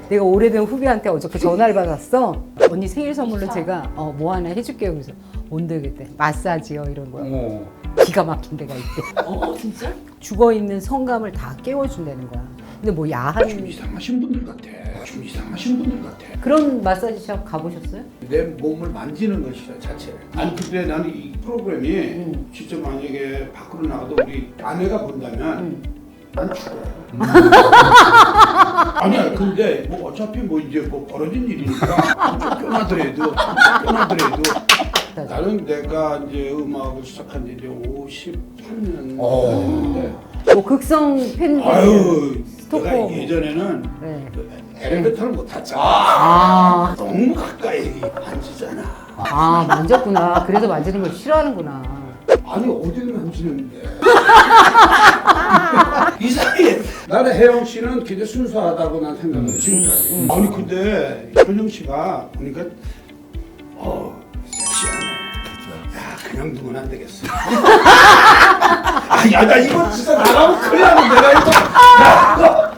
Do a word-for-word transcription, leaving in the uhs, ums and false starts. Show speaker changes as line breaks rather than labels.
내가 오래된 후배한테 어저께 전화를 받았어. 언니 생일 선물로 제가 어, 뭐 하나 해줄게요. 그래서 뭔데 그때 마사지요 이런 거야.
어.
기가 막힌 데가 있대.
어 진짜?
죽어있는 성감을 다 깨워준다는 거야. 근데 뭐 야한
좀 이상하신 분들 같아. 좀 이상하신 분들 같아.
그런 마사지샵 가보셨어요?
내 몸을 만지는 것이야 자체를. 아니 근데 나는 이 프로그램이
음.
진짜 만약에 밖으로 나가도 우리 아내가 본다면
음.
난 죽어. 아니야 근데 뭐 어차피 뭐 이제 뭐 벌어진 일이니까 쫓겨나더라도 쫓겨나더라도 나는 내가 이제 음악을 시작한 지 이제 오십팔 년 됐는데
뭐 극성 팬들
아유
스토커.
내가 예전에는
네.
그 엘리베이터를 못 탔잖아.
아,
너무 가까이 만지잖아.
아 만졌구나. 그래서 만지는 걸 싫어하는구나.
아니 어디를 만지는데 이상해. 나는 혜영 씨는 굉장히 순수하다고 난 생각을 해 지금까지. 아니 근데 현영 씨가 보니까 어 섹시하네. 야 그냥 두면 안 되겠어. 아야 나 이거 진짜 나가면 큰일 나는 내가 이거 야,